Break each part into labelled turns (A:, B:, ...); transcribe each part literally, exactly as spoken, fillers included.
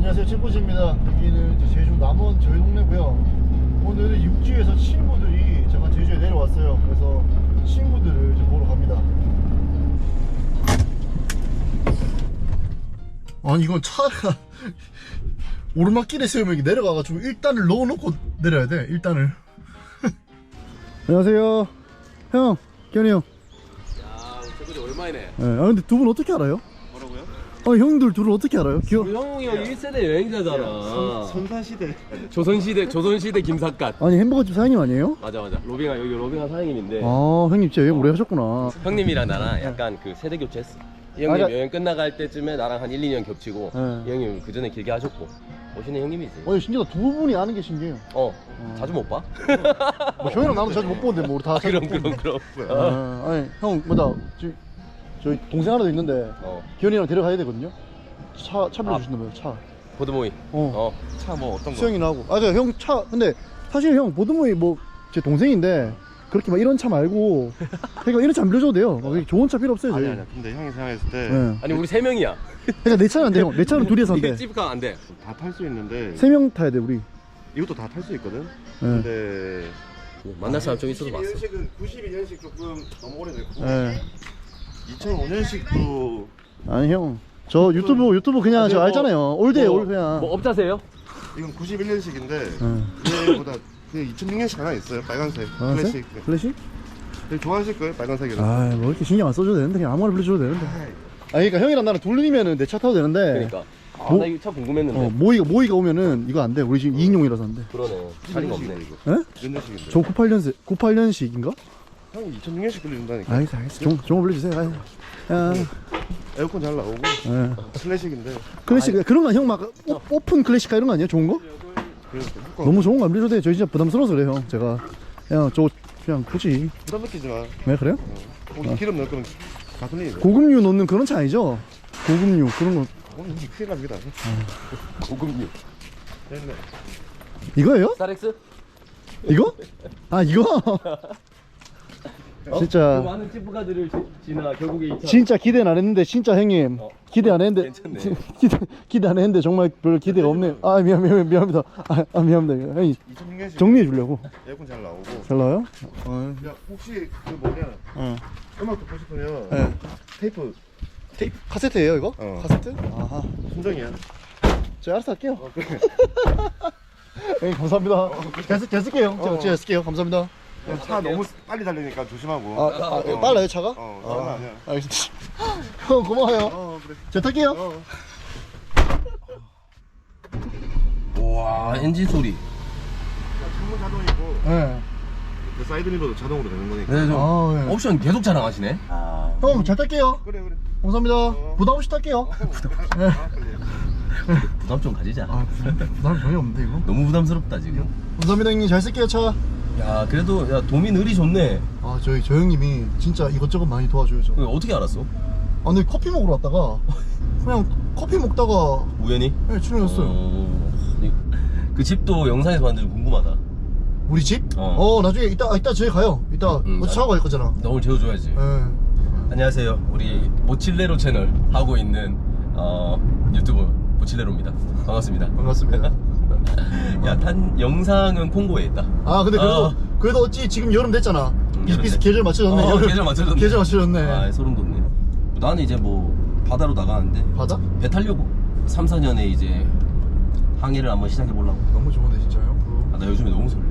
A: 안녕하세요, 칠코지입니다. 여기는 이제 제주 남원 저희 동네고요. 오늘은 육지에서 친구들이 잠깐 제주에 내려왔어요. 그래서 친구들을 이제 보러 갑니다. 아니 이건 차가 오르막길에 세우면 내려가가지고 일 단을 넣어놓고 내려야 돼. 일 단을. 안녕하세요, 형, 견이 형.
B: 야, 칠코지 오랜만이네.
A: 네, 아 근데 두 분 어떻게 알아요?
B: 뭐라고요?
A: 아 형들 둘은 어떻게 알아요? 기억.
B: 형이 형 일 세대 여행자잖아.
C: 선사시대.
B: 조선시대 조선시대 김삿갓.
A: 아니 햄버거집 사장님 아니에요?
B: 맞아 맞아. 로빙아 여기 로빙아 사장님인데.
A: 아 형님 진짜 여행 오래 하셨구나.
B: 형님이랑 나랑 약간 그 세대 교체했어. 이 형님
A: 아,
B: 여행 끝나갈 때쯤에 나랑 한 일, 이 년 겹치고
A: 네.
B: 이 형님 그 전에 길게 하셨고 오시는 형님이지.
A: 아니 신기하다, 두 분이 아는 게 신기해요.
B: 어 자주 못 봐?
A: 뭐 형이랑 나도 자주 못 보는데 뭐 우리 다
B: 아,
A: 자주
B: 그럼
A: 못
B: 그럼
A: 보는데.
B: 그럼.
A: 아, 아니 형 뭐다 저, 저희 동생 하나 더 있는데
B: 어
A: 기현이랑 데려가야 되거든요. 차, 차
B: 아.
A: 빌려주신다며요. 차.
B: 보드모이.
A: 어,
B: 어.
C: 차 뭐 어떤 거?
A: 수영이나 하고. 아, 형 차 근데 사실 형 보드모이 뭐 제 동생인데 그렇게 막 이런 차 말고 그러니까 이런 차 안 빌려줘도 돼요. 막 이렇게 좋은 차 필요 없어요.
C: 아니
A: 저희.
C: 아니야. 근데 형이 생각했을 때 다
A: 네.
B: 아니 우리 세 명이야.
A: 그러니까 내 차는 안 돼, 형. 내 차는 둘이서 안
B: 이게
A: 돼.
B: 찝가 안 돼.
C: 탈 수 있는데
A: 세 명 타야 돼 우리.
C: 이것도 다 탈 수 있거든.
A: 네.
C: 근데
B: 만날 사람 좀 있어도 봤어.
C: 년식은 구십이 년식 조금 너무 오래됐고
A: 네.
C: 이천오 년식도
A: 아니 형, 저 유튜브 유튜브 그냥
C: 아니,
A: 저
C: 뭐,
A: 알잖아요. 올드에
C: 뭐,
A: 올 그냥.
B: 뭐 업자세요?
C: 이건 구십일 년식인데
A: 네.
C: 얘보다 그 이천육 년식 하나 있어요. 빨간색.
A: 빨간색?
C: 클래식.
A: 클래식?
C: 되게 좋아하실 거예요. 빨간색이라서.
A: 아, 뭐 이렇게 신경 안 써줘도 되는데 그냥 아무거나 빌려줘도 되는데. 아, 그러니까 형이랑 나랑 둘이면은 내 차 타도 되는데.
B: 그러니까. 아,
A: 뭐-
B: 나 이거 참 궁금했는데.
A: 어, 모이가 모이가 오면은 이거 안 돼. 우리 지금 이 인용이라서 안 돼.
B: 그러네. 자리가 없네.
C: 이거.
A: 예?
C: 몇 년식인데?
A: 저 구십팔 년생 구십팔 년식인가?
C: 형이 이천육 년식 빌려준다니까.
A: 알겠어, 알겠어. 종, 종을 빌려주세요. 아이. 야,
C: 에어컨 잘 나오고
A: 예.
C: 클래식인데
A: 클래식 그런 거 아니 형 막 오픈 클래식카 이런 거 아니에요? 좋은 거?
C: 그래서 효과
A: 너무 좋은 거 안 빌려줘도 돼. 저 진짜 부담스러워서 그래요, 형. 제가 그냥 저 그냥 굳이.
C: 부담 느끼지 마.
A: 왜 그래요?
C: 혹시 기름 넣을 거면 가솔린이죠.
A: 고급류 넣는 그런 차 아니죠? 고급류 그런 거
C: 오늘 이게 큰일 납니다.
B: 고급류.
C: 네.
A: 이거예요?
B: 스타렉스?
A: 이거? 아 이거?
B: 그
A: 진짜
B: 많은 찌푸가들을 지나 결국에 이 차.
A: 진짜 기대는 안 했는데 진짜 형님
B: 어.
A: 기대 안 했는데
B: 괜찮네.
A: 기대 기대 안 했는데 정말 별 기대가 없네요. 아 미안 미안 미안합니다. 아, 아 미안합니다. 형이
C: 이천육 년식
A: 정리해 주려고.
C: 에어컨 잘 나오고.
A: 잘 나와요? 어.
C: 야 혹시 그 뭐냐
A: 어.
C: 음악 듣고 싶으면
A: 네.
C: 테이프
A: 테이프 카세트예요 이거?
C: 어.
A: 카세트? 아하.
C: 순정이야.
A: 제가 알아서 할게요.
C: 어, 그래.
A: 형님 감사합니다. 잘, 쓸- 잘 쓸게요. 제가,
C: 어.
A: 제가 쓸게요. 감사합니다.
C: 차 너무 빨리 달리니까 조심하고.
A: 아, 아,
C: 어.
A: 빨라요 차가?
C: 어, 장난 아니야.
A: 알겠습니다. 형 고마워요.
C: 어 그래.
A: 제가 탈게요.
C: 어.
B: 와 엔진 소리.
C: 창문 자동이고
A: 네.
C: 그 사이드 미러도 자동으로 되는 거니까.
B: 네, 저
A: 아, 네.
B: 옵션 계속 자랑하시네.
A: 형 잘 탈게요.
C: 그래 그래.
A: 감사합니다.
C: 어.
A: 부담 없이 탈게요. 네.
C: 아, 그래.
B: 부담 좀 가지자.
A: 아 부담, 부담 전혀 없는데 이거.
B: 너무 부담스럽다 지금.
A: 감사합니다 형님. 잘 쓸게요 차.
B: 야 그래도 야 도미 느리 좋네.
A: 아 저희 저 형님이 진짜 이것저것 많이 도와줘요 저.
B: 그거 어떻게 알았어?
A: 아 근데 커피 먹으러 왔다가 그냥 커피 먹다가
B: 우연히?
A: 네, 출연했어요.
B: 어... 그 집도 영상에서 봤는데 좀 궁금하다.
A: 우리 집?
B: 어.
A: 어, 나중에 이따 아, 이따 저희 가요. 이따
B: 음,
A: 뭐 차가 갈 거잖아.
B: 나 오늘 재워줘야지.
A: 네.
B: 안녕하세요. 우리 모칠레로 채널 하고 있는 어, 유튜버 모칠레로입니다. 반갑습니다.
A: 반갑습니다.
B: 야, 탄 영상은 콩고에 있다.
A: 아 근데 그래도
B: 어.
A: 그래도 어찌 지금 여름 됐잖아. 비슷비슷
B: 됐네.
A: 계절 맞춰졌네.
B: 어,
A: 여름.
B: 계절 맞춰졌네.
A: 계절 맞춰졌네.
B: 아, 소름 돋네. 나는 이제 뭐 바다로 나가는데
A: 바다?
B: 배 타려고 삼, 사 년에 이제 항해를 한번 시작해 보려고.
A: 너무 좋은데 진짜 형.
B: 아, 나 요즘에 너무 설레.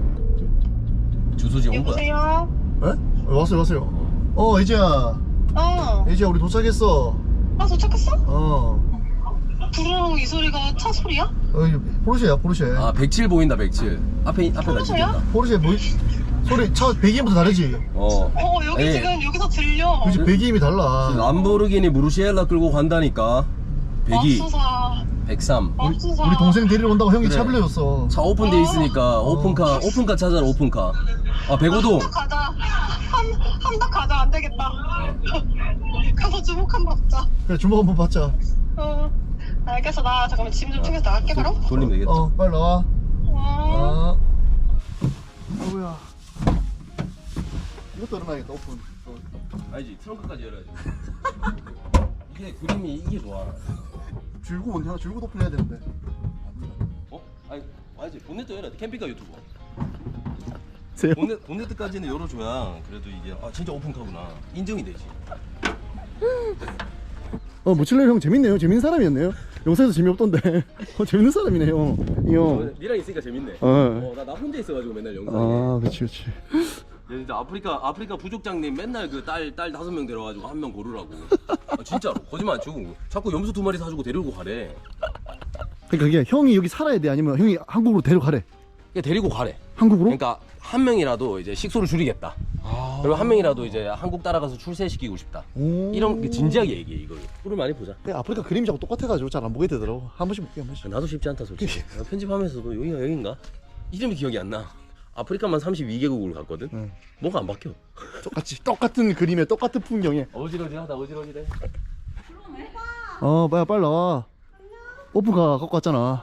B: 주소지 온 거야.
D: 여보세요?
A: 예? 어, 왔어요 왔어요.
B: 어.
A: 어 이제야
D: 어.
A: 이제야 우리 도착했어.
D: 아, 도착했어?
A: 어.
D: 부르릉 이 소리가 차 소리야?
A: 어 이거 포르쉐야 포르쉐.
B: 아, 백칠 보인다, 백칠. 앞에, 앞에
D: 포르쉐야?
B: 가지겠다.
A: 포르쉐 뭐 소리 차 배기음부터 다르지.
B: 어.
D: 어, 여기
B: 에이.
D: 지금 여기서 들려.
A: 그렇지 배기음이 달라.
B: 람보르기니 무르시엘라 끌고 간다니까. 백이,
D: 맙소사.
B: 백삼.
D: 맙소사.
A: 우리 동생 데리러 온다고 형이
B: 그래.
A: 차 빌려줬어.
B: 차 오픈돼 있으니까 오픈카, 오픈카 찾아라, 오픈카. 아, 백오동.
D: 한덕 가자. 한, 한덕 가자. 안 되겠다. 가서 주목 한번 받자.
A: 그래 주먹 한번 받자.
D: 어. 알겠어. 나 잠깐만 짐 좀 챙겨서 나갈게, 그럼.
B: 돌리면 되겠다.
A: 어 빨리 나와.
D: 어.
A: 아. 아이고야. 이것도 열어놔야겠다 오픈. 어.
B: 아니지, 트렁크까지 열어야지. 이게 그림이 이게 좋아.
A: 줄고 온냐? 줄고 오픈해야 되는데.
B: 어? 아니 와야지. 본넷도 열어야 돼. 캠핑카 유튜버.
A: 세요?
B: 본넷, 본넷까지는 열어줘야 그래도 이게 아 진짜 오픈카구나 인정이 되지.
A: 어 모칠레 형 재밌네요. 재밌는 사람이었네요. 영상에서 재미없던데. 어 재밌는 사람이네요. 이 형.
B: 니랑 있으니까 재밌네.
A: 어.
B: 어, 나, 나 혼자 있어가지고 맨날 영상에.
A: 아 그렇지 그렇지.
B: 야, 진짜 아프리카 아프리카 부족장님 맨날 그 딸 딸 다섯 명 데려가지고 한 명 고르라고. 아, 진짜로 거짓말 안 치고 자꾸 염소 두 마리 사주고 데리고 가래.
A: 그러니까 그게 형이 여기 살아야 돼 아니면 형이 한국으로 데려가래.
B: 그냥 데리고 가래.
A: 한국으로?
B: 그러니까 한 명이라도 이제 식소를 줄이겠다.
A: 아.
B: 그리고 한 명이라도 이제 한국 따라가서 출세시키고 싶다.
A: 오.
B: 이런 게 진지하게 얘기해 이걸. 꿀을 많이 보자.
A: 근데 아프리카 그림자고 똑같아가지고 잘 안 보게 되더라고. 한 번씩 볼게 한 번씩.
B: 나도 쉽지 않다 솔직히. 나 편집하면서도 여기가 여긴가? 이름이 기억이 안 나. 아프리카만 삼십이 개국을 갔거든.
A: 응.
B: 뭐가 안 바뀌어.
A: 똑같이 똑같은 그림에 똑같은 풍경에.
B: 어지러지하다 어지러지래.
A: 어, 빨리 빨리 나와. 오프가 갖고 왔잖아.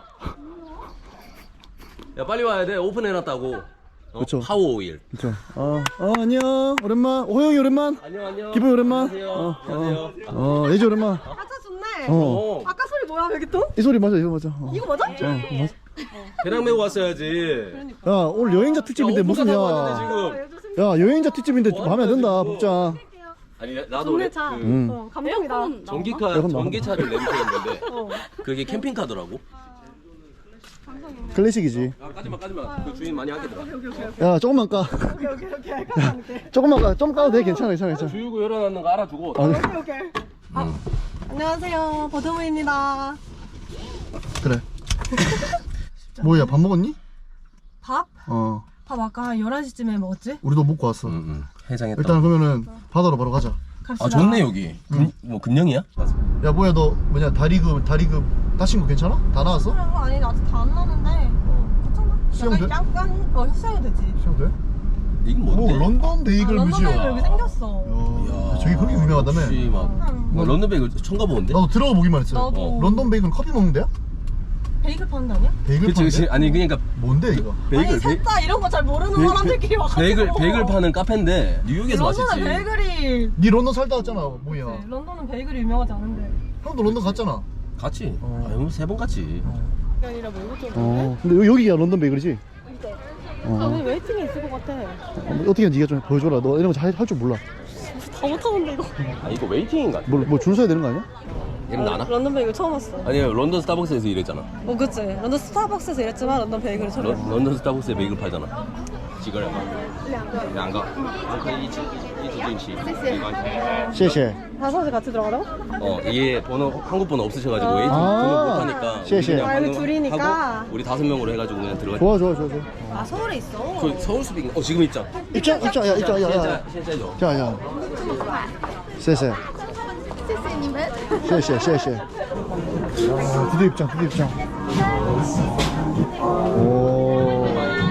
B: 야 빨리 와야 돼. 오픈해놨다고. 어?
A: 그쵸.
B: 파워 오일.
A: 그렇죠. 어, 어 안녕. 오랜만. 호영이 오랜만.
B: 안녕 안녕.
A: 기분 오랜만.
B: 안녕하세요.
A: 어,
B: 안녕하세요.
A: 어, 어 예지 오랜만.
D: 아차 좋네.
A: 어.
B: 어.
D: 아까 소리 뭐야 여기 또?
A: 이 소리 맞아, 이거 맞아. 어.
D: 이거 맞아?
A: 어, 맞아.
B: 배낭 메고 왔어야지.
A: 야, 오늘 여행자 특집인데
B: 야,
A: 무슨
B: 오픈카 타고
A: 야.
B: 왔는데 지금.
A: 야, 여행자 특집인데 좀 마음에 안 든다,
B: 지금.
A: 복장.
B: 아니 나- 나도
D: 좋네
B: 레-
D: 차.
B: 그
A: 음.
D: 어, 감동이다.
B: 전기카
A: 에어컨 나와.
B: 전기차를 렌트했는데
D: 어.
B: 그게 캠핑카더라고.
A: 클래식이지.
B: 아, 까지마 까지마. 그 주인 많이 하겠더라.
A: 야, 조금만 까.
D: 오케이 오케이 오케이. 알겠어.
A: 조금만 까. 좀 까도 돼. 괜찮아, 괜찮아, 괜찮아.
B: 주유구 열어놨는 거 알아주고.
A: 아,
D: 오케이 오케이. 아, 안녕하세요 버드무입니다.
A: 그래. 뭐야, 밥 먹었니?
D: 밥?
A: 어,
D: 밥 아까 한 열한 시쯤에 먹었지?
A: 우리도 먹고 왔어.
B: 응, 응. 해장했다.
A: 일단 그러면은 바다로 바로 가자.
D: 갑시다.
B: 아 좋네 여기. 금, 뭐 금령이야?
A: 야, 뭐야, 너 뭐냐 다리금 다리금 다친 거 괜찮아? 다 나왔어?
D: 그런 거 아니 아직 다 안 나는데 괜찮아?
A: 수영
D: 약간
A: 돼?
D: 약간 어 수영이 되지.
A: 시험 돼?
B: 이게
A: 오,
B: 뭔데?
A: 런던 베이글
D: 아, 런던
A: 뮤지엄.
D: 베이글 여기 생겼어.
A: 야, 저기 그렇게 유명하다며?
B: 역시 막
D: 응.
B: 뭐 런던 베이글 처음 가보는데?
A: 나도 들어가 보기만 했어.
D: 나도.
B: 어.
A: 런던 베이글은 커피 먹는 데야?
D: 베이글 파는 데 아니야?
A: 베이글
B: 그치 그치.
A: 파는데?
B: 아니 그러니까
A: 뭔데 이거?
B: 베이글
D: 아니 살짝 이런 거 잘 모르는
B: 베-
D: 사람들끼리 와가지고.
B: 베이글 베이글 파는 카페인데 뉴욕에서
D: 런던은
B: 맛있지.
D: 베이글이
A: 니 런던 살다 왔잖아. 뭐야?
D: 네, 런던은 베이글이 유명하지 않은데.
A: 형도 런던 갔잖아.
B: 같이.
A: 어.
B: 아유 세번 같이.
D: 그게 아니라 뭐 이것저것.
A: 어. 근데 여- 여기가 런던 베이글이지?
D: 아,
A: 어.
D: 오늘 웨이팅이 있을 것 같아.
A: 어, 어떻게 네가 좀 보여줘라. 너 이런 거 잘 할 줄 몰라.
D: 다 못하는데 이거.
B: 아 이거 웨이팅인가?
A: 뭐 줄 서야 되는 거 아니야?
B: 이름 나나?
D: 런던 베이글 처음 왔어.
B: 아니 런던 스타벅스에서 일했잖아.
D: 어, 그치. 런던 스타벅스에서 일했지만 런던 베이글을 처음
B: 런,
D: 왔어.
B: 런던 스타벅스에 베이글 팔잖아. 지거래 봐.两个，可以一起一起进去，没关系。
A: 谢谢.
D: 다섯이 같이 들어가라고?
B: 어, 이게 번호 한국 번호 없으셔가지고 웨이팅
A: 아.
B: 등록 못하니까
A: 시에, 시에.
B: 그냥
D: 아, 여기
B: 방금
D: 둘이니까.
B: 하고 우리 다섯 명으로 해가지고 그냥 들어가.
A: 좋아 좋아 좋아 좋아.
D: 아, 서울에 있어.
B: 그 서울 수빙. 어 지금 있죠.
A: 입장 입장 야 입장 야 야.
B: 진짜 진짜죠.
A: 자 야. 谢谢.谢谢谢谢. 아, 드디어 입장 드디어 입장. 오.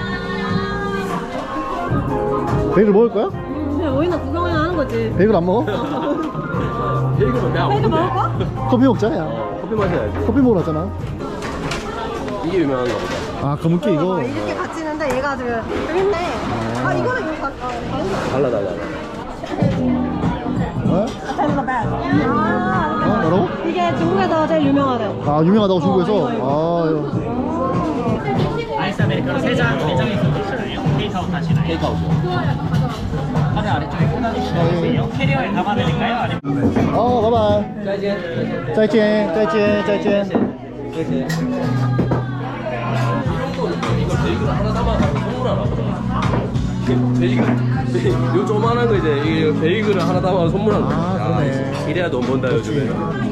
A: 베이글 먹을 거야?
D: 그냥 오이나 구경이나 하는 거지.
A: 베이글 안 먹어?
B: 베이글은 내가
D: 베이글 먹을
B: 먹는데.
D: 거야?
A: 커피 먹자 야.
B: 어, 커피 마셔야지.
A: 커피 먹으러 왔잖아.
B: 이게 유명한가 보다.
A: 아 검은깨 이거.
D: 아, 이렇게 같이 있는데 얘가 지금 여기 있네. 아, 이거는 이거 다, 아, 다른 거.
B: 달라 달라.
A: 어?
D: 아,
A: 어 뭐라고?
D: 이게 중국에서 제일 유명하대.
A: 아 유명하다고 중국에서.
D: 어, 이거,
A: 아 이거.
E: アイスアメリカのセジャーメジャーメインするよ。テイクアウトしない。
B: 테이크아웃이요.
E: まだあれちょいこんなにしないですよ。蹴りは生でかよあれ。
A: 어 바이바이.
B: 再见。
A: 再见再见再见.
B: 이거 베이글 하나 담아가지고 선물하나 보다. 베이글, 베이글, 요 조만한 거 이제 이 베이글을 하나 담아서 선물하는 거야.
A: 아, 그러네.
B: 이래야 돈 번다 요즘에.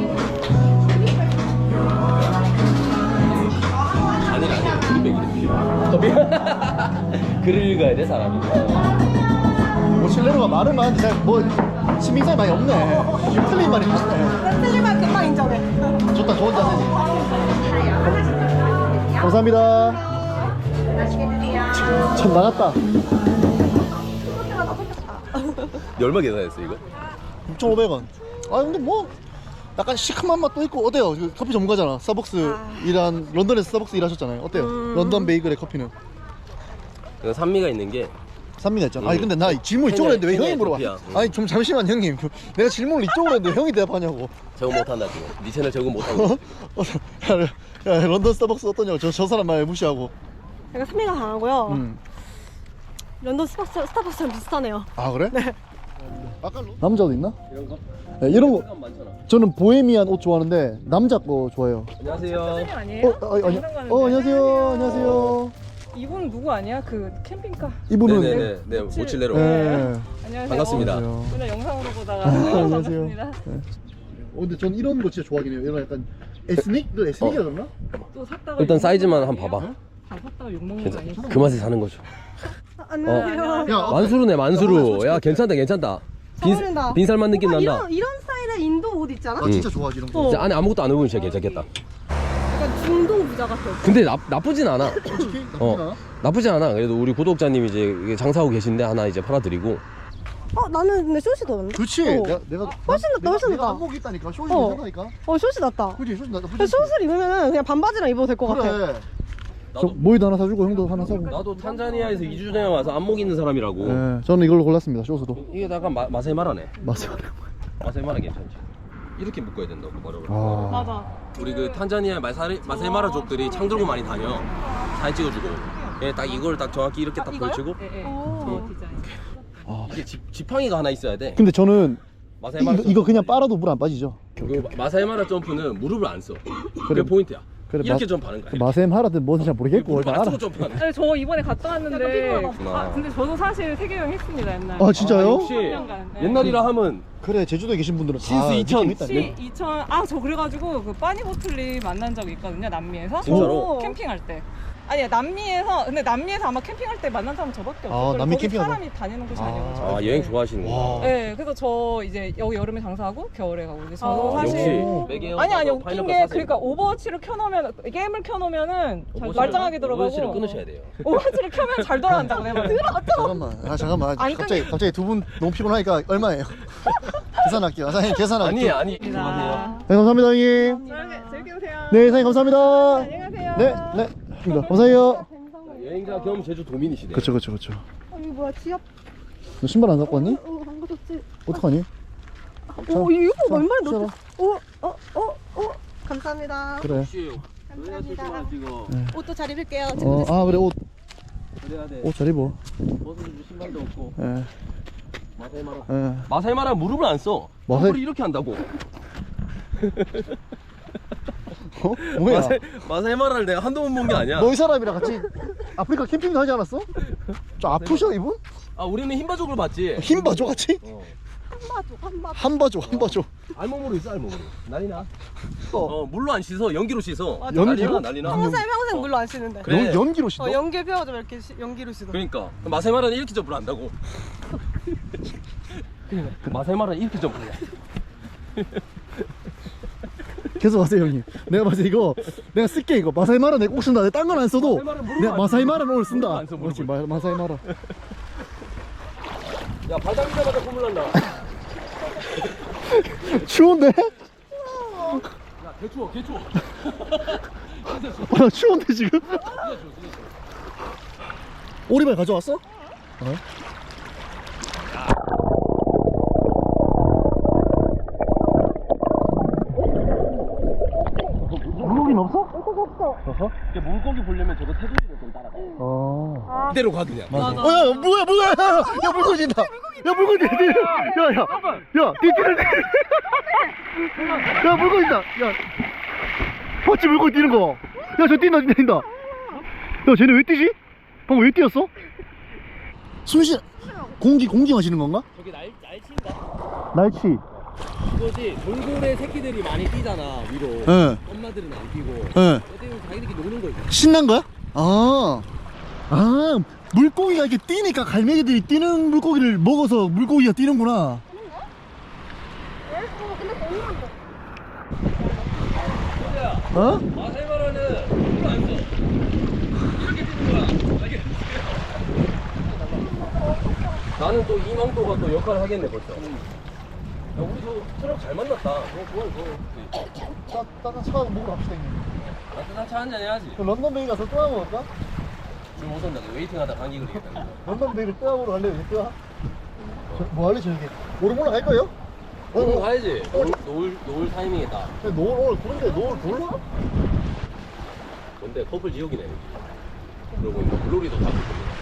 B: 아니라 아니라 그린 베이글입니다. 글을 읽어야 돼 사람이.
A: 뭐 실내로가 말은 많은데 잘 뭐 신빙성이 많이 없네. 틀린 말이 많네.
D: 틀리면 금방 인정해.
A: 좋다 좋은 자세지. 감사합니다. 참 나갔다.
B: 얼마 계산했어 이거?
A: 육천오백 원. 아 근데 뭐 약간 시큼한 맛도 있고 어때요? 그 커피 전문가잖아. 스타벅스 일한 런던에서 스타벅스 일하셨잖아요. 어때요? 런던 베이글의 커피는?
B: 이거 산미가 있는 게
A: 삼미나 했잖아.
B: 응.
A: 아니 근데 나 질문 이쪽으로 했는데 왜
B: 케냐,
A: 형이 물어봐?
B: 에티오피아. 응.
A: 아니 좀 잠시만 형님. 내가 질문을 이쪽으로 했는데 형이 대답하냐고.
B: 적응 못한다 지금. 네 채널 적응 못하고.
A: 어, 야, 야, 런던 스타벅스 어떠냐고. 저, 저 사람 말 무시하고.
F: 약간 산미가 강하고요.
A: 음.
F: 런던 스타벅스, 스타벅스랑 비슷하네요.
A: 아 그래? 네. 아까 남자도 있나?
B: 이런 거?
A: 네, 이런 거.
B: 색감 많잖아.
A: 저는 보헤미안 옷 좋아하는데 남자 거 좋아해요.
B: 안녕하세요.
G: 아니에요?
A: 어, 아니, 아니, 어 안녕하세요. 안녕하세요.
G: 이분 누구 아니야? 그 캠핑카.
A: 이분은
B: 네네네. 네, 모칠레로.
A: 네.
G: 안녕하세요.
B: 반갑습니다.
A: 안녕하세요.
G: 맨날 영상으로 보다가
A: 아, 안녕하세요.
G: 반갑습니다.
A: 어, 근데 전 이런 거 진짜 좋아하긴 해요. 이런 약간 에스닉? 그 에스닉이라 그러나?
G: 또 샀다가
B: 일단
G: 욕먹는
B: 사이즈만
G: 거
B: 한번
G: 아니에요?
B: 봐봐.
G: 다 샀다가 욕먹는 거
B: 괜찮.
G: 아니에요?
B: 그 맛에 사는 거죠.
F: 아, 안녕하세요.
A: 야,
B: 만수르네 만수르. 야 괜찮다 괜찮다. 빈,
F: 어울린다.
B: 빈살만 느낌
F: 오빠,
B: 난다.
F: 이런, 이런 스타일의 인도 옷 있잖아?
A: 나 진짜 좋아하지 이런 거.
F: 어.
B: 진짜 안에 아무것도 안 입으면 진짜 괜찮겠다.
F: 약간 중동 부자 같아.
B: 근데 나, 나쁘진 않아.
A: 솔직히 나쁘지
B: 어
A: 않아?
B: 나쁘진 않아. 그래도 우리 구독자님이 이제 이게 장사하고 계신데 하나 이제 팔아드리고.
F: 어, 나는 근데 숏이 더 낫네.
A: 그렇지.
F: 어.
A: 내가 내가
F: 훨씬 낫다,
A: 내가-
F: 훨씬
A: 내가
F: 낫다.
A: 안목이 있다니까. 쇼이
F: 어.
A: 괜찮다니까.
F: 어, 숏이 낫다.
A: 그지? 쇼이 나
F: 근데 숏을 입으면은 그냥 반바지랑 입어도 될 것 같아.
A: 그래. 저
B: 나도
A: 모이도 하나 사주고 형도 하나 사고.
B: 나도 탄자니아에서 이 주 전에 와서 안목 있는 사람이라고.
A: 네, 저는 이걸로 골랐습니다. 쇼스도.
B: 이게 약간 마, 마세마라네.
A: 맞아요.
B: 마세마라 괜찮지. 이렇게 묶어야 된다고 바로.
A: 아.
F: 맞아.
B: 우리 그 탄자니아 마사리, 마세마라족들이 창 들고 많이 다녀. 사진 찍어주고. 예, 딱 이걸 딱 정확히 이렇게 딱 걸치고.
G: 예, 예.
F: 오.
G: 그 디자인.
A: 아.
B: 이게 지, 지팡이가 하나 있어야 돼.
A: 근데 저는
B: 마세마라
A: 이거, 이거 그냥 빨아도 물 안 빠지죠.
B: 그 마세마라 점프는 무릎을 안 써. 그게
A: 그래.
B: 포인트야.
A: 그래,
B: 이렇게
A: 마-
B: 점프하는 거야.
A: 마셈 하라든 뭔지 잘 모르겠고
B: 무릎
A: 일단
B: 안
A: 알아.
B: 쓰고 점프하는 거야.
G: 아니, 저 이번에 갔다 왔는데
B: 피곤하다.
G: 아, 근데 저도 사실 세계 여행 했습니다 옛날.
A: 아 진짜요?
B: 역시
G: 년간, 네.
B: 옛날이라 하면
A: 그래 제주도에 계신 분들은 다
B: 신스 이천.
A: 느낌 있다.
G: 시 이천 아 저 그래가지고 그 빠니보틀리 만난 적이 있거든요 남미에서.
B: 진짜로?
G: 캠핑할 때. 아니 남미에서 근데 남미에서 아마 캠핑할 때 만난 사람 저밖에 없어요.
A: 아, 남미
G: 거기
A: 캠핑하다.
G: 사람이 다니는 곳이
A: 아.
G: 아, 니어서
B: 아 여행 좋아하시는구나.
A: 와.
G: 네, 그래서 저 이제 여기 여름에 장사하고 겨울에 가고 이제 저도
F: 아,
G: 사실
B: 역시 매개어
G: 아니 아니
B: 가서
G: 웃긴
B: 파인애플
G: 게
B: 사세요.
G: 그러니까 오버워치를 켜놓으면 게임을 켜놓으면은 잘
B: 오버워치를-
G: 말짱하게 들어가고
B: 오버워치를 끊으셔야 돼요.
G: 오버워치를 켜면 잘 돌아간다고 내가
A: 잠깐만. 아 잠깐만.
F: 안
A: 갑자기 갑자기 두 분 너무 피곤하니까 얼마예요? 계산할게요. 아, 사장님 계산할게요.
B: 아니 아니. 안녕하세요.
A: 네, 감사합니다 형님.
G: 재밌게 오세요.
A: 네 사장님 감사합니다.
G: 안녕하세요.
A: 네 네. 감사합니다. 감사해요.
B: 여행자 겸 제주 도민이시네.
A: 그쵸 그쵸 그쵸.
F: 어, 이거 뭐야, 지압?
A: 너 신발 안 갖고 왔니?
F: 어, 안 가졌지.
A: 어떡하니?
F: 오, 이거
A: 자,
F: 얼마나
A: 쉬어라.
F: 넣었어? 어, 어, 어, 어. 감사합니다.
A: 그래.
F: 감사합니다.
B: 이거
F: 옷도 잘 입을게요.
A: 어, 아 그래 옷
B: 그래야 돼.
A: 옷 잘 입어.
B: 벗어줄 신발도 없고.
A: 예.
B: 마세마라.
A: 예.
B: 마세마라 무릎을 안 써.
A: 마세-
B: 무릎을 이렇게 한다고.
A: 어? 뭐야?
B: 마세 마세마라를 내가 한두 번 본 게 아니야.
A: 너 이 사람이랑 같이 아프리카 캠핑도 하지 않았어? 좀 아프셔 이분?
B: 아 우리는 흰바족을 봤지.
A: 힘 봐줘 같이?
B: 어.
F: 한바조, 한바조.
A: 한 봐줘 한 봐줘.
B: 알몸으로 있어 알몸으로. 난리나.
A: 어.
B: 어 물로 안 씻어 연기로 씻어.
A: 연기로?
B: 난리나 난리나.
F: 평생, 평생 물로 안 씻는데.
B: 그래.
A: 연, 연기로 씻어?
F: 어, 연기 배워줘, 이렇게 시, 연기로 씻어.
B: 그러니까 마세마라는 이렇게 점프를 한다고. 마세마라는 이렇게 점프를 해.
A: 계속 하세요 형님. 내가 봤을 때 이거 내가 쓸게 이거 마사이마라 내가 꼭 쓴다. 내가 딴 건 안 써도
B: 마사이마라 무릎
A: 내가
B: 안
A: 마사이마라는 오늘
B: 무릎
A: 쓴다.
B: 안 써, 무릎을.
A: 그렇지 마, 마사이마라.
B: 야 바닥이자마자 콧물 난다.
A: 추운데?
B: 야 개추워 개추워.
A: 아, 나 추운데 지금? 오리발 가져왔어? 어? 물고기는 없어? 없어?
B: 물고기 보려면 저거 테두리를 좀 따라가.
A: 어.
B: 이대로 가 그냥.
A: 어, 야, 뭐야, 뭐야, 야, 야, 야, 물고기 있다. 야, 물고기 있다. 야, 야, 야, 뛰는 야, 물고기 있다. 야, 봤지, 물고기 뛰는 거. 야, 저 뛴다, 뛴다, 뛴다. 야, 쟤네 왜 뛰지? 방금 왜 뛰었어? 숨쉬, 공기, 공기 마시는 건가?
B: 저기 날 날친다.
A: 날치.
B: 이거지. 돌고래 새끼들이 많이 뛰잖아 위로.
A: 예,
B: 엄마들은 안 뛰고.
A: 예.
B: 어때요? 자기들끼리 노는 거지.
A: 신난 거야? 아, 아, 물고기가 이렇게 뛰니까 갈매기들이 뛰는 물고기를 먹어서 물고기가 뛰는구나. 어?
B: 마세마라는 물을 안 써. 이렇게 뛰는 거야. 알겠지? 나는 또 이망도가 또 역할을 하겠네 벌써. 야, 우리 저 트럭 잘 만났다. 어, 좋아, 좋아.
A: 따, 따뜻한 차 먹으러 갑시다 형님.
B: 따뜻한 차 한잔 해야지.
A: 그 런던 베이 가서 또 하나 먹을까?
B: 줄못 선다. 웨이팅하다 감기 걸리겠다.
A: 한번 내일 뜨아보러 갈래요? 뜨아? 뭐 할래 저녁에? 오늘 올라갈 거예요?
B: 오늘 가야지. 노을, 노을, 노을 타이밍이다.
A: 노을 오늘 그런데 노을 몰라?
B: 근데 커플 지옥이네. 그러고 보니까 물놀이도 다 커플이네.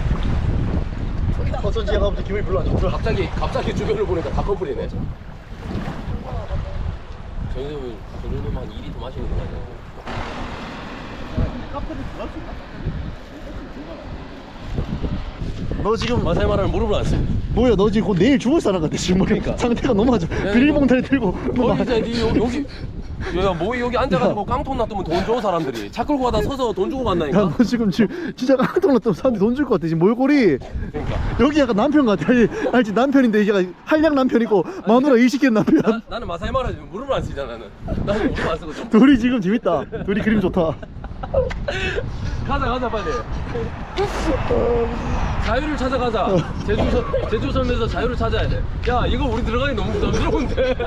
A: 어쩐지 얘가 아버지 기분이 별로 안 좋더라.
B: 갑자기 갑자기 주변을 보니까 다 커플이네. 저 정도면 저 정도면 한 이 리터 마시는 거 같아.
A: 너 지금
B: 마사이 말하면 무릎을 안 써.
A: 뭐야 너 지금 곧 내일 죽을 사람 같아 지금.
B: 그러니까.
A: 상태가 너무 안 좋아. 비닐봉다리 들고 너
B: 거기 이제 니 여기 여기 야, 뭐 여기 앉아가지고 깡통 놔두면 돈 줘 사람들이. 차 끌고 가다 서서 돈 주고 간다니까.
A: 야, 너 지금 지금 진짜 깡통 났다면 사람들이 돈 줄 것 같아 지금 몰골이.
B: 그러니까
A: 여기 약간 남편 같아. 아니, 알지 남편인데 얘가 한량 남편이고 마누라 일시키는 남편.
B: 나, 나는 마사이 말하면 무릎을 안 쓰잖아 나는. 나는 무릎 안 쓰고 좀.
A: 둘이 지금 재밌다. 둘이 그림 좋다.
B: 가자 가자 빨리. 자유를 찾아가자. 제주 제주 섬에서 자유를 찾아야 돼. 야 이거 우리 들어가기 너무 부담스러운데.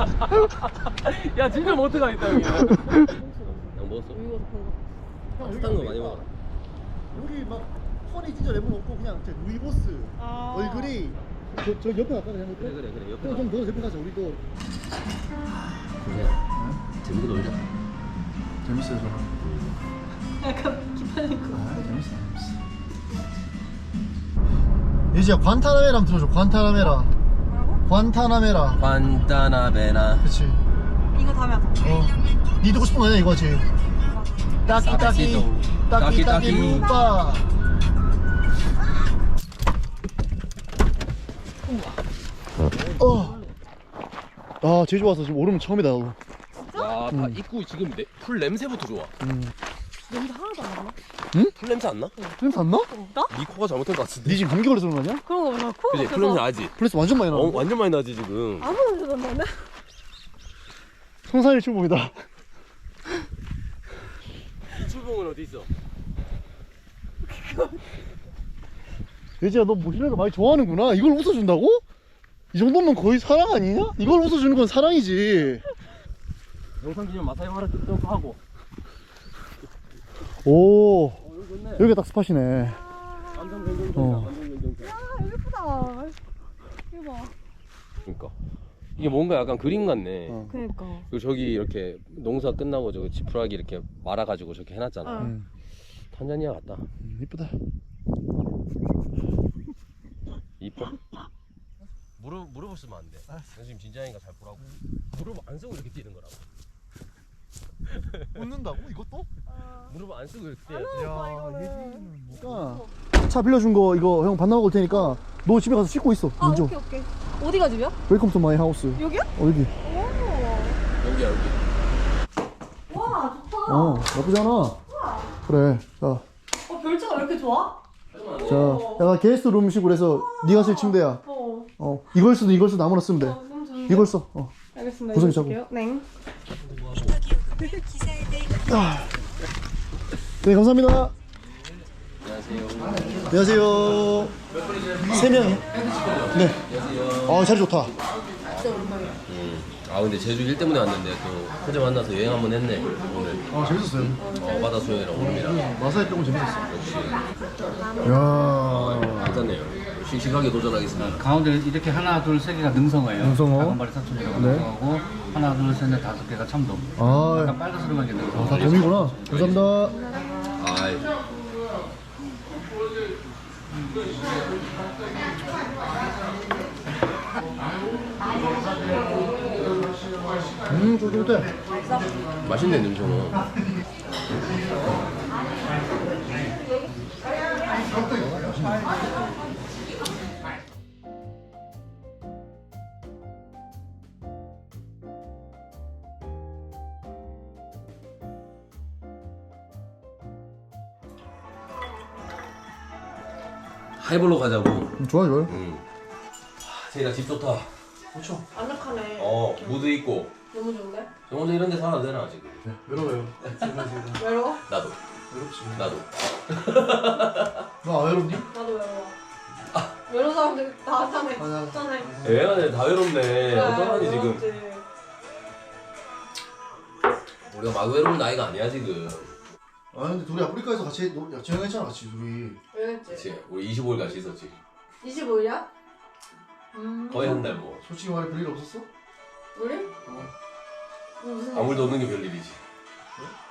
B: 야 진짜 못 들어가겠다 여기. 양 먹었어? 따뜻한 거 많이 먹어라.
A: 여기 막 털이 진짜 레몬 없고 그냥 루이보스
F: 아.
A: 얼굴이 저, 저 옆에 갈까 그냥
B: 그래 그래 그래 옆에
A: 좀 더 옆에 가자. 우리도
B: 재밌게 놀자.
A: 재밌어요 저는.
F: 약간 기빨리고.
A: 아 재밌어 재밌어. 예지야 관타나메라 한번 들어줘. 관타나메라.
F: 뭐라고?
A: 관타나메라.
B: 관타나베나.
A: 그치.
F: 이거 다음에 하자.
A: 어. 니 듣고 싶은 거 아니야 이거지? 따키 따키 따키 따키 루빠. 어. 아 제주 와서 지금 오르면 처음이다 나도.
B: 야, 다 입구 지금 내, 풀 냄새부터 좋아.
A: 음.
F: 냄새 하나도 안 나나?
B: 풀 냄새 안 나?
A: 냄새 안 나?
F: 나?
B: 네 코가 잘못된 것 같은데.
A: 니 지금 감기 걸려서 그런 거 아니야?
F: 그런 거 나 코가
B: 그지? 풀 냄새 나지?
A: 플레스 완전 많이 나.
B: 어, 완전 많이 나지 지금.
F: 아무 냄새도 안 나네.
A: 성산일 출봉이다.
B: 출봉은 어디 있어?
A: 예지야 너 모실레를 많이 좋아하는구나. 이걸 웃어준다고? 이 정도면 거의 사랑 아니냐? 이걸 웃어주는 건 사랑이지.
B: 영상 기념 마사이 마라 좀 하고.
A: 오
B: 어, 여기 좋네.
A: 여기가 딱 스팟이네.
B: 완전 경경장이다.
A: 어.
B: 완전 경경장.
F: 아 여기 예쁘다. 이거 봐.
B: 그러니까 이게 뭔가 약간 그림 같네.
A: 어.
F: 그니까.
B: 그리고 저기 이렇게 농사 끝나고 저기 지푸라기 이렇게 말아가지고 저렇게 해놨잖아.
F: 어.
A: 음,
B: 탄자니아 같다.
A: 음, 이쁘다.
B: 이뻐? 무릎 무릎을 쓰면 안 돼. 나 지금 진짜니까 잘 보라고. 무릎 안 쓰고 이렇게 뛰는 거라고.
A: 웃는다고? 이것도?
B: 무릎 안 쓰고 이렇게 뛰어.
A: 야 예지는 뭐가? 차 빌려준 거 이거 형 반납하고 올 테니까 너 집에 가서 씻고 있어.
F: 아
A: 먼저.
F: 오케이 오케이. 어디가 집이야?
A: 웰컴 투 마이 하우스.
F: 여기야?
A: 어 여기.
F: 오.
B: 여기야 여기.
F: 와 좋다.
A: 어 나쁘지 않아. 그래. 자,
F: 어 별채가 왜 이렇게 좋아?
A: 자, 약간 게스트 룸식으로 해서 네가 쓸 침대야.
F: 어.
A: 어 이걸 쓰든 이걸 쓰든 아무나 쓰면 돼.
F: 어 너무 좋은데.
A: 이걸 써. 어.
F: 알겠습니다.
A: 구성이
F: 이거
A: 잡고.
F: 볼게요. 네.
A: 아. 네 감사합니다.
B: 안녕하세요.
A: 안녕하세요. 세 명이? 네. 아 자리 좋다.
B: 음. 아 근데 제주 일 때문에 왔는데 또 호재 만나서 여행 한번 했네 오늘.
A: 아 재밌었어요.
B: 어, 바다 수영이랑 오름이랑.
A: 마사이 빼고 재밌었어.
B: 역시
A: 야.
B: 괜찮네요. 싱싱하게 도전하겠습니다.
E: 가운데 이렇게 하나 둘 세 개가 능성어예요.
A: 능성어.
E: 작은발이 사촌이라고
A: 네.
E: 능성어고 하나 둘 셋 넷 다섯 개가 참돔.
A: 아,
E: 약간 빨간색만 게 능성어.
A: 다 점이구나. 감사합니다.
B: 아이.
A: 음, 쫄깃해.
B: 맛있네 능청어. 하이볼로 가자고.
A: 음, 좋아, 좋아요.
B: 응. 세이나 집 좋다.
A: 그렇죠.
F: 안락하네.
B: 어 무드 있고.
F: 너무 좋은데?
B: 저 혼자 이런 데 살아도 되나 지금?
A: 외로워요.
F: 외로워?
B: 나도.
A: 외롭지.
B: 나도.
A: 너 외롭니?
F: 나도 외로워. 외로운 사람들 다 하잖아.
A: 맞아.
F: 있잖아.
B: 애가 다 외롭네.
F: 그래,
B: 어떡하니 지금?
F: 외롭지.
B: 우리가 막 외로운 나이가 아니야 지금.
A: 아 근데 둘이 아프리카에서 같이 노- 야, 여행했잖아 같이 둘이.
F: 왜 했지?
B: 그치 우리 이십오 일 같이 있었지
F: 이십오일이야? 음.
B: 거의 한 달 뭐
A: 솔직히 말해 별일 없었어?
F: 우리? 무슨
B: 아무 일도 없는 게 별일이지
A: 그래?